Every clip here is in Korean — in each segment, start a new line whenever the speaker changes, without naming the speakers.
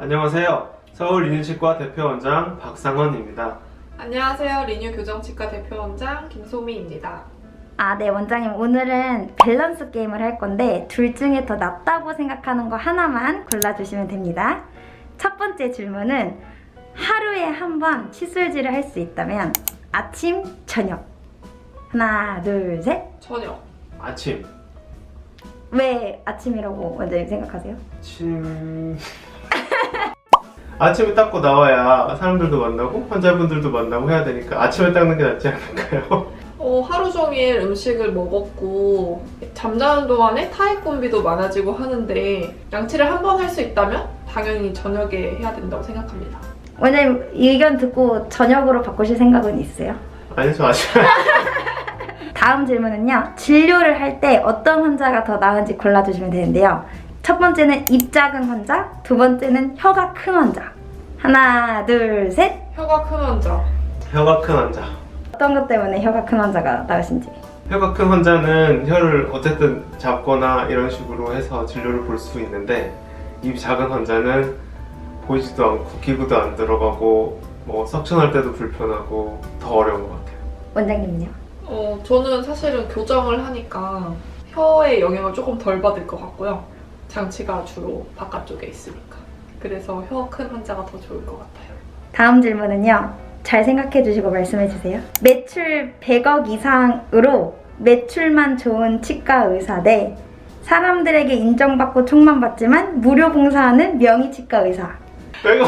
안녕하세요. 서울 리뉴치과 대표원장 박상원입니다.
안녕하세요. 리뉴 교정치과 대표원장 김소미입니다.
네, 원장님. 오늘은 밸런스 게임을 할 건데 둘 중에 더 낫다고 생각하는 거 하나만 골라주시면 됩니다. 첫 번째 질문은 하루에 한 번 칫솔질을 할 수 있다면 아침, 저녁. 하나, 둘, 셋.
저녁.
아침.
왜 아침이라고 원장님 생각하세요?
아침에 닦고 나와야 사람들도 만나고 환자분들도 만나고 해야 되니까 아침에 닦는 게 낫지 않을까요?
하루 종일 음식을 먹었고 잠자는 동안에 타액 분비도 많아지고 하는데 양치를 한 번 할 수 있다면 당연히 저녁에 해야 된다고 생각합니다.
원장님 의견 듣고 저녁으로 바꾸실 생각은 있어요?
아니, 저 아침.
다음 질문은요. 진료를 할 때 어떤 환자가 더 나은지 골라주시면 되는데요. 첫 번째는 입 작은 환자, 두 번째는 혀가 큰 환자. 하나, 둘, 셋.
혀가 큰 환자.
혀가 큰 환자.
어떤 것 때문에 혀가 큰 환자가 나으신지.
혀가 큰 환자는 혀를 어쨌든 잡거나 이런 식으로 해서 진료를 볼 수 있는데 입이 작은 환자는 보이지도 않고 기구도 안 들어가고 뭐 석션할 때도 불편하고 더 어려운 것 같아요.
원장님은요?
저는 사실은 교정을 하니까 혀에 영향을 조금 덜 받을 것 같고요. 장치가 주로 바깥쪽에 있으니까. 그래서 혀 큰 환자가 더 좋을 것 같아요.
다음 질문은요. 잘 생각해 주시고 말씀해 주세요. 매출 100억 이상으로 매출만 좋은 치과 의사 대 사람들에게 인정받고 총만 받지만 무료 봉사하는 명의 치과 의사.
내가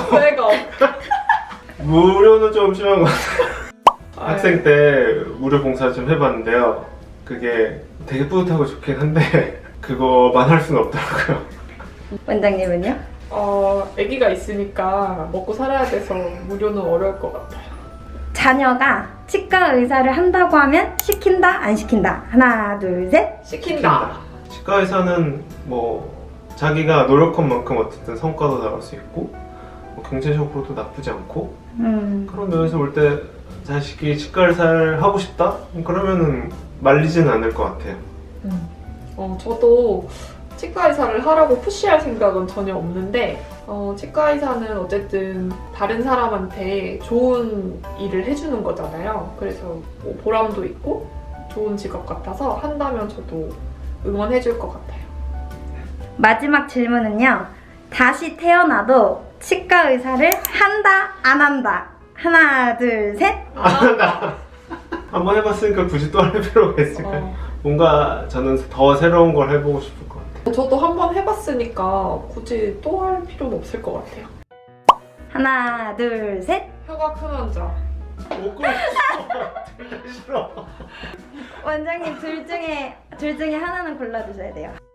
무료는 좀 심한 것 같아요. 학생 때 무료 봉사 좀 해봤는데요. 그게 되게 뿌듯하고 좋긴 한데 그거만 할 수는 없더라고요.
원장님은요?
아기가 있으니까 먹고 살아야 돼서 무료는 어려울 것 같아요.
자녀가 치과 의사를 한다고 하면 시킨다, 안 시킨다. 하나, 둘, 셋.
시킨다.
치과 의사는 뭐 자기가 노력한 만큼 어쨌든 성과도 나올 수 있고 뭐 경제적으로도 나쁘지 않고 그런 면에서 볼 때 자식이 치과 의사를 하고 싶다? 그러면은 말리지는 않을 것 같아요.
저도 치과 의사를 하라고 푸시할 생각은 전혀 없는데 치과 의사는 어쨌든 다른 사람한테 좋은 일을 해주는 거잖아요. 그래서 뭐 보람도 있고 좋은 직업 같아서 한다면 저도 응원해줄 것 같아요.
마지막 질문은요. 다시 태어나도 치과 의사를 한다, 안 한다. 하나, 둘, 셋.
한번 해봤으니까 굳이 또 할 필요가 있을까요? 뭔가 저는 더 새로운 걸 해보고 싶을 것 같아요.
저도 한번 해봤으니까 굳이 또 할 필요는 없을 것 같아요.
하나, 둘, 셋.
혀가 큰 환자.
못 그랬어. 싫어.
원장님 둘 중에 하나는 골라주셔야 돼요.